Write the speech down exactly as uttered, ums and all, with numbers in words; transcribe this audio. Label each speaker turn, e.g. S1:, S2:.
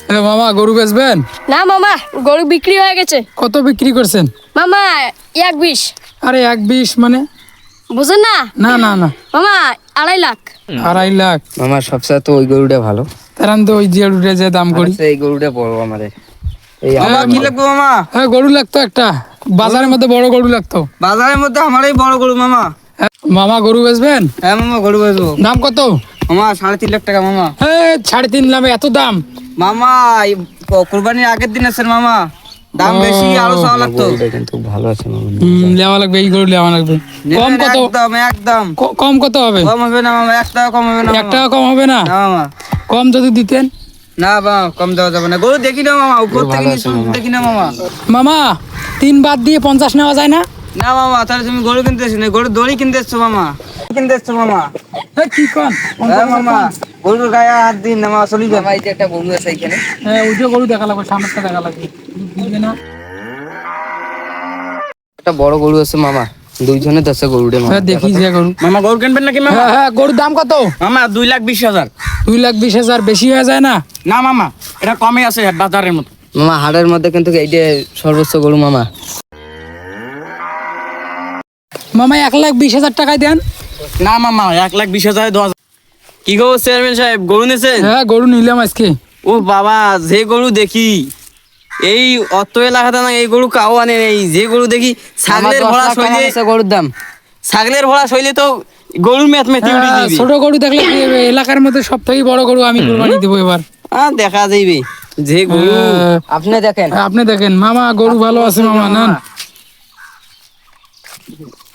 S1: মামা গরু বেচবেন?
S2: না মামা, গরু বিক্রি হয়ে গেছে।
S1: কত বিক্রি করছেন?
S2: মামা এক বিশ।
S1: আরে এক বিশ মানে?
S2: বুঝেন না?
S1: না না না
S2: মামা আড়াই লাখ।
S1: আড়াই লাখ?
S3: মামা সবচেয়ে তো ওই গরুটা ভালো।
S1: তার তো ওই যে গরুটা যে দাম করি,
S3: এই গরুটা বড় আমাদের। এই
S4: মামা কি লাগবে মামা?
S1: হ্যাঁ গরু লাগতো একটা, বাজারের মধ্যে বড় গরু লাগতো।
S4: বাজারের মধ্যে আমারই বড় গরু মামা।
S1: হ্যাঁ, মামা গরু বেচবেন?
S4: হ্যাঁ মামা গরু বেচবো।
S1: দাম কত?
S4: মামা সাড়ে তিন লাখ টাকা মামা।
S1: হ্যাঁ সাড়ে তিন লাখ? এত দাম?
S4: মামা এই কুরবানির আগের দিন আছেন মামা, দাম
S1: ও,
S4: বেশি, আরো চাওয়া লাগতো।
S3: গরুটা কিন্তু ভালো আছে মামা।
S1: হুম, লেওয়া লাগবে, এই গরু লেওয়া লাগবে। কম কত?
S4: একদম একদম
S1: ক- কম কত হবে?
S4: কম হবে না মামা, এক টাকা কম হবে না
S1: এক
S4: মামা।
S1: টাকা কম হবে না?
S4: না মামা,
S1: কম যদি দিতেন।
S4: না মামা কম দেওয়া যাবে না। গরু দেখি না মামা, উপর থেকে নিচে দেখি না মামা।
S1: মামা তিন বাদ দিয়ে পঞ্চাশ নেওয়া যায় না?
S4: না মামা, তাহলে তুমি গরু কিনতে এসছো না, গরু দড়ি কিনতে এসছো মামা, কিনতে এসছো মামা।
S1: হ্যাঁ, কি কন?
S4: হ্যাঁ মামা, গরুর গায়ে হাত দিন না মামা, চলি যান।
S3: এই যে একটা গরু আছে এখানে।
S1: হ্যাঁ ওই যে গরু দেখা লাগবে, সামনেটা দেখা লাগবে। দিবে না?
S3: একটা বড় গরু আছে মামা, দুইজনে দশে গরুটা মামা।
S1: হ্যাঁ দেখি যে গরু।
S4: মামা গরু কিনবেন নাকি মামা?
S1: হ্যাঁ হ্যাঁ, গরুর দাম কত?
S4: মামা দুই লাখ বিশ হাজার।
S1: দুই লাখ বিশ হাজার বেশি হয়ে যায় না?
S4: না মামা, এটা কমে আছে বাজারের মতো।
S3: মামা হাটের মধ্যে কিন্তু এইটা সর্বোচ্চ গরু মামা।
S1: মামা এক লাখ বিশ হাজার টাকায় দেন।
S4: না মামা, এক লাখ বিশ হাজার দশ। কি গো চেয়ারম্যান সাহেব, গরু নিয়েছেন?
S1: হ্যাঁ গরু নিলাম আজকে।
S4: ও বাবা, যে গরু দেখি এই অত এলাকাতে না, এই গরু কাও আনে এই যে গরু দেখি ছাগলের ভরা শৈলে,
S3: গরুর দাম
S4: ছাগলের ভরা শৈলে তো গরুর মেথ মেথি উঠে
S1: হ্যাঁ,
S4: দিবি।
S1: ছোট গরু দেখলে কি হবে? এলাকার মধ্যে সব থেকে বড় গরু আমি কুরবানি দেবো এবার।
S4: হ্যাঁ দেখা যাইবে যে গরু।
S1: হ্যাঁ,
S3: আপনি দেখেন।
S1: আপনি দেখেন মামা, গরু ভালো আছে মামা, নেন।